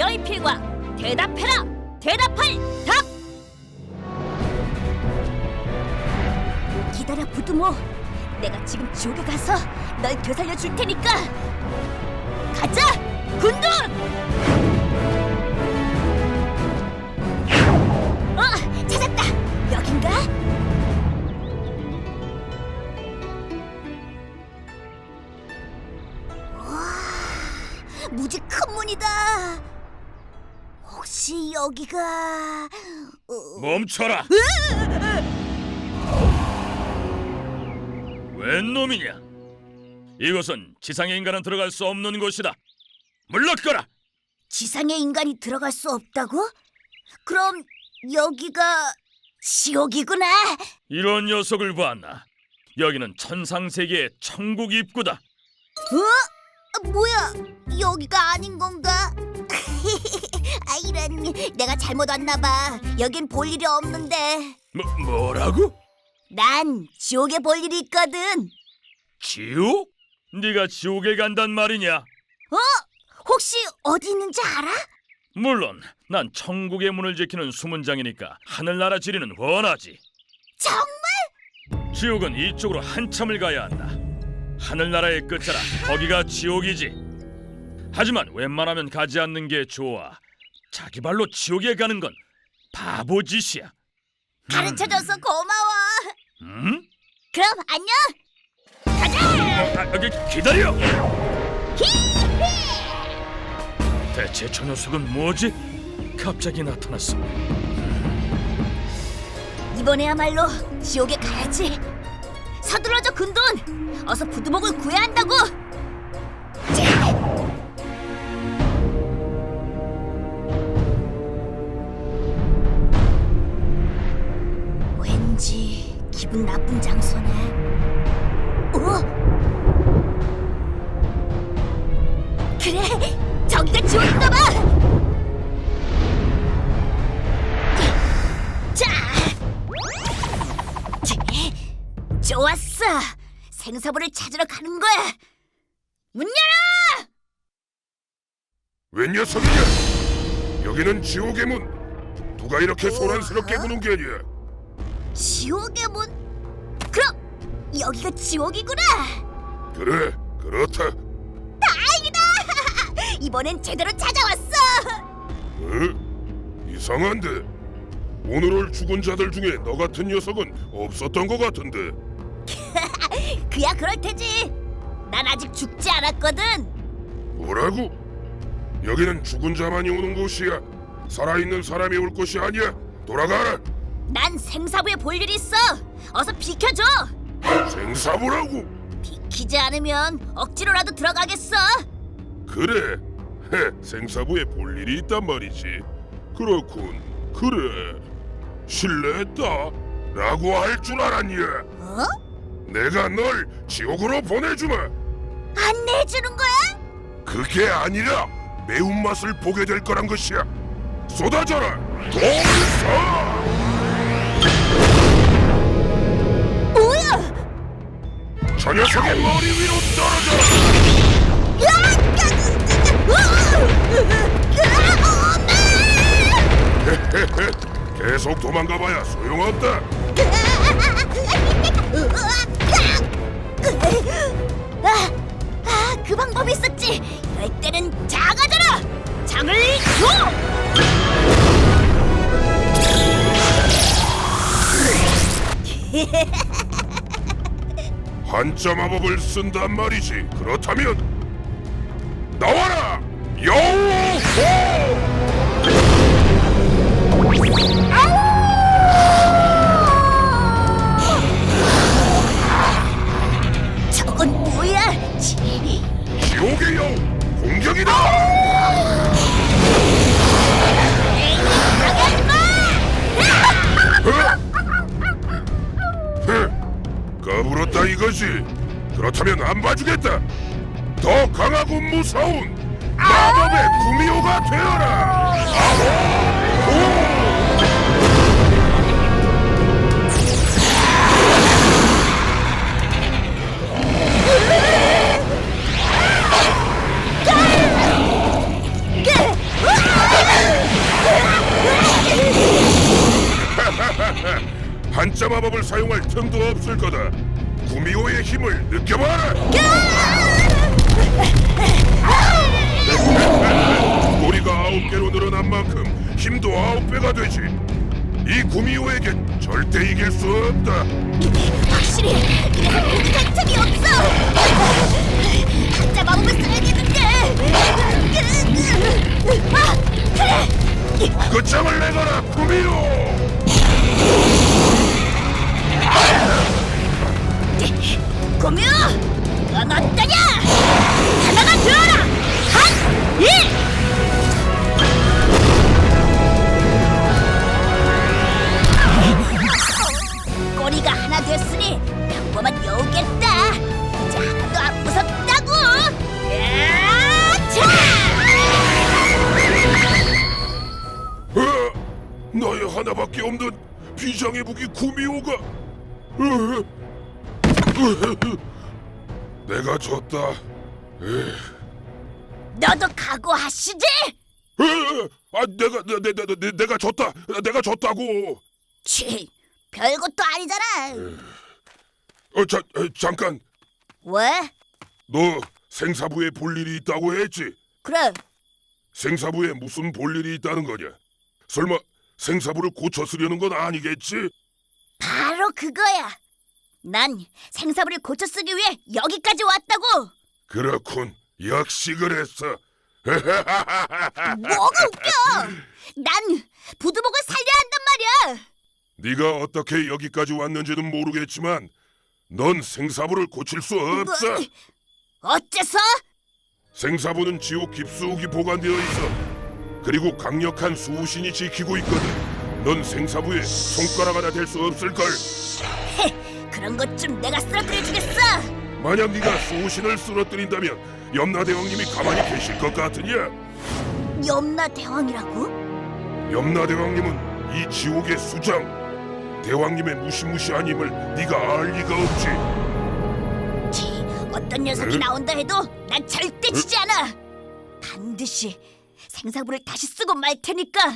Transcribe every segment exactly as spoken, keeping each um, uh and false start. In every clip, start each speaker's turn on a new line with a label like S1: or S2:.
S1: 너희 필과 대답해라. 대답할 답. 기다려 부두모. 내가 지금 지옥에 가서 널 되살려 줄 테니까. 가자 군돈. 어 찾았다. 여긴가? 와 무지 큰 문이다. 혹시 여기가 어...
S2: 멈춰라! 웬 놈이냐? 이곳은 지상의 인간은 들어갈 수 없는 곳이다. 물러거라!
S1: 지상의 인간이 들어갈 수 없다고? 그럼 여기가 지옥이구나.
S2: 이런 녀석을 봤나? 여기는 천상세계의 천국 입구다.
S1: 어? 뭐야? 여기가 아닌 건가? 아, 이런, 내가 잘못 왔나 봐. 여긴 볼 일이 없는데.
S2: 뭐, 뭐라고?
S1: 난 지옥에 볼 일이 있거든.
S2: 지옥? 네가 지옥에 간단 말이냐?
S1: 어? 혹시 어디 있는지 알아?
S2: 물론 난 천국의 문을 지키는 수문장이니까 하늘나라 지리는 훤하지.
S1: 정말?
S2: 지옥은 이쪽으로 한참을 가야 한다. 하늘나라의 끝자라 거기가 지옥이지. 하지만 웬만하면 가지 않는 게 좋아. 자기 발로 지옥에 가는 건 바보짓이야.
S1: 가르쳐줘서 고마워.
S2: 음?
S1: 그럼 안녕. 가자.
S2: 아, 여기 기다려. 대체 저 녀석은 뭐지? 갑자기 나타났어.
S1: 이번에야말로 지옥에 가야지. 서둘러줘 군돈. 어서 부두목을 구해야 한다고. 자. 왠지 기분 나쁜 장소네. 어? 그래, 저기가 지옥인가 봐. 자, 좋았어. 생사부를 찾으러 가는 거야. 문 열어!
S3: 웬 녀석이냐? 여기는 지옥의 문. 누가 이렇게 소란스럽게 구는 게냐?
S1: 지옥의 문? 그럼 여기가 지옥이구나.
S3: 그래, 그렇다.
S1: 다행이다. 이번엔 제대로 찾아왔어.
S3: 어? 이상한데? 오늘 올 죽은 자들 중에 너 같은 녀석은 없었던 것 같은데.
S1: 그야 그럴 테지. 난 아직 죽지 않았거든.
S3: 뭐라고? 여기는 죽은 자만이 오는 곳이야. 살아있는 사람이 올 곳이 아니야. 돌아가라.
S1: 난 생사부에 볼 일이 있어. 어서 비켜줘.
S3: 생사부라고?
S1: 비키지 않으면 억지로라도 들어가겠어.
S3: 그래. 헤, 생사부에 볼 일이 있단 말이지. 그렇군. 그래. 실례했다. 라고 할 줄 알았냐?
S1: 어?
S3: 내가 널 지옥으로 보내주마.
S1: 안내해주는 거야?
S3: 그게 아니라 매운맛을 보게 될 거란 것이야. 쏟아져라. 돌서.
S1: 뭐야?
S3: 저 녀석의 머리 위로 떨어져라. 헤헤헤. 계속 도망가봐야 소용없다.
S1: 아, 아, 그 방법이 있었지. 이럴 때는 작아져라. 장을 줘.
S3: 한자 마법을 쓴단 말이지. 그렇다면 나와라. 여우.
S1: 저건 뭐야? 지.
S3: 지옥의 여우 공격이다. 까불었다 이거지. 그렇다면 안 봐주겠다. 더 강하고 무서운 마법의 구미호가 되어라. 아호!
S1: 으아!
S3: 마법을 사용할 틈도 없을 거다. 구미호의 힘을 느껴봐라. 꼬리가 아홉 개로 늘어난 만큼 힘도 아홉 배가 되지. 이 구미호에겐 절대 이길 수 없다.
S1: 확실히 이래서 공격할 틈이 없어. 가짜 마법을 써야겠는데. 아, 그래.
S3: 끝장을 내거라, 구미호.
S1: 고묘, 넌 어떠냐? 하나가 되어라. 한, 일. 꼬리가 하나 됐으니 평범한 여우겠다. 이제 하나도 안 무섭다고. 야차!
S3: 어, 나의 하나밖에 없는 비장의 무기 구미호가. 어, 어, 내가 졌다. 에,
S1: 너도 각오하시지?
S3: 에, 아, 내가 내, 내, 내, 내, 내가 졌다. 내가 졌다고.
S1: 치, 별것도 아니잖아.
S3: 어, 자, 에, 잠깐.
S1: 왜?
S3: 너 생사부에 볼 일이 있다고 했지?
S1: 그래.
S3: 생사부에 무슨 볼 일이 있다는 거냐? 설마 생사부를 고쳐 쓰려는 건 아니겠지?
S1: 바로 그거야. 난 생사부를 고쳐 쓰기 위해 여기까지 왔다고.
S3: 그렇군. 역시 그랬어.
S1: 뭐가 웃겨? 난 부두목을 살려야 한단 말이야.
S3: 네가 어떻게 여기까지 왔는지는 모르겠지만 넌 생사부를 고칠 수 없어.
S1: 뭐, 어째서?
S3: 생사부는 지옥 깊숙이 보관되어 있어. 그리고 강력한 수호신이 지키고 있거든. 넌 생사부에 손가락 하나 댈 수 없을걸.
S1: 헤, 그런 것 좀 내가 쓰러뜨려 주겠어.
S3: 만약 네가 수호신을 쓰러뜨린다면 염라대왕님이 가만히 계실 것 같으냐?
S1: 염라 대왕이라고?
S3: 염라대왕님은 이 지옥의 수장. 대왕님의 무시무시한 힘을 네가 알 리가 없지.
S1: 치, 어떤 녀석이
S3: 응?
S1: 나온다 해도 난 절대 지지 않아. 반드시 생사부를 다시 쓰고 말 테니까.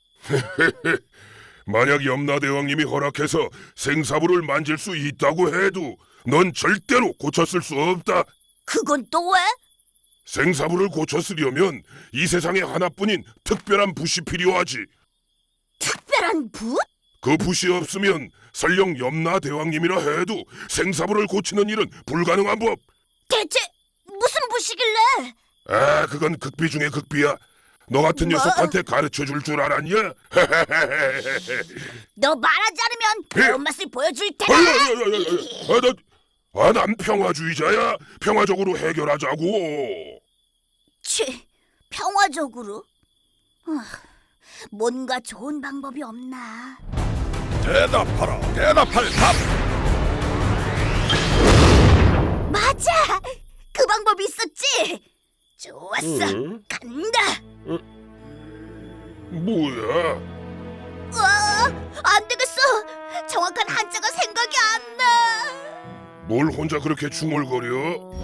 S3: 만약 염라대왕님이 허락해서 생사부를 만질 수 있다고 해도 넌 절대로 고쳤을 수 없다.
S1: 그건 또 왜?
S3: 생사부를 고쳤으려면 이 세상에 하나뿐인 특별한 붓이 필요하지.
S1: 특별한 붓?
S3: 그 붓이 없으면 설령 염라대왕님이라 해도 생사부를 고치는 일은 불가능한 법.
S1: 대체 무슨 붓이길래?
S3: 아, 그건 극비 중의 극비야. 너 같은
S1: 뭐?
S3: 녀석한테 가르쳐 줄 줄 알았냐?
S1: 너 말하지 않으면 매운맛을 보여줄
S3: 아,
S1: 테다.
S3: 아, 나, 아, 난 평화주의자야. 평화적으로 해결하자고.
S1: 치, 평화적으로? 아, 뭔가 좋은 방법이 없나?
S2: 대답하라. 대답할 답.
S1: 맞아! 그 방법이 있었지? 좋았어,
S3: 응?
S1: 간다!
S3: 뭐야?
S1: 와, 안 되겠어! 정확한 한자가 생각이 안 나!
S3: 뭘 혼자 그렇게 중얼거려?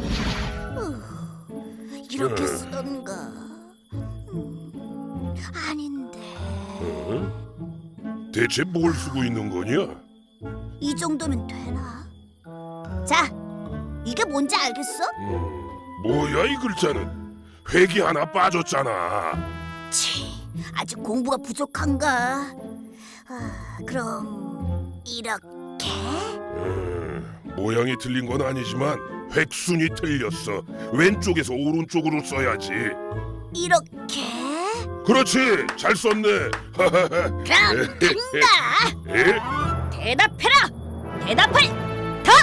S1: 후, 이렇게
S3: 응.
S1: 쓰던가... 음, 아닌데...
S3: 어? 대체 뭘 쓰고 있는 거냐?
S1: 이 정도면 되나? 자, 이게 뭔지 알겠어?
S3: 음, 뭐야 이 글자는? 획이 하나 빠졌잖아.
S1: 치, 아직 공부가 부족한가? 아, 그럼 이렇게?
S3: 음, 모양이 틀린 건 아니지만 획순이 틀렸어. 왼쪽에서 오른쪽으로 써야지.
S1: 이렇게?
S3: 그렇지, 잘 썼네.
S1: 그럼 간다!
S3: 에?
S1: 대답해라! 대답할 답!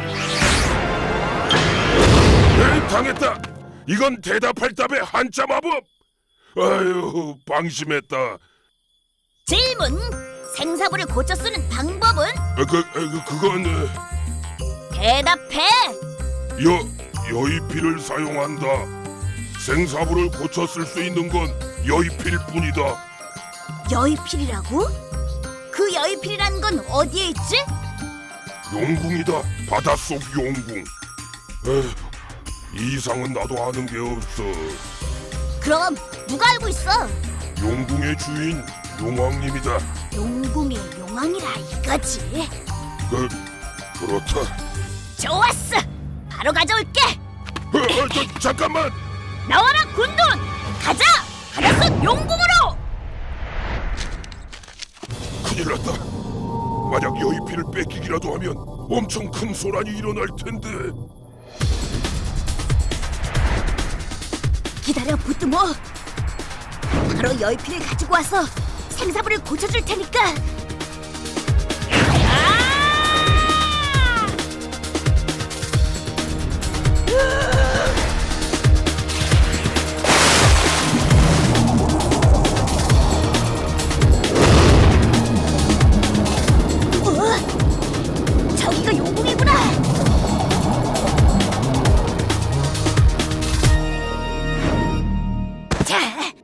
S3: 에이, 당했다. 이건 대답할 답의 한자 마법. 아유, 방심했다.
S1: 질문! 생사부를 고쳐 쓰는 방법은?
S3: 어, 그, 어, 그 그건 어,
S1: 대답해!
S3: 여 여의필을 사용한다. 생사부를 고쳐 쓸 수 있는 건 여의필 뿐이다.
S1: 여의필이라고? 그 여의필이라는 건 어디에 있지?
S3: 용궁이다. 바닷속 용궁. 에휴, 이 이상은 나도 아는 게 없어.
S1: 그럼 누가 알고 있어?
S3: 용궁의 주인 용왕님이다.
S1: 용궁의 용왕이라 이거지.
S3: 그 그렇다.
S1: 좋았어. 바로 가져올게.
S3: 어, 어, 저, 잠깐만.
S1: 나와라 군돈. 가자. 하나씩 용궁으로.
S3: 큰일 났다. 만약 여의피를 뺏기기라도 하면 엄청 큰 소란이 일어날 텐데.
S1: 기다려 부뚜모. 바로 여의피를 가지고 와서 생사부를 고쳐줄 테니까. 어? 저기가 용궁이구나. 자,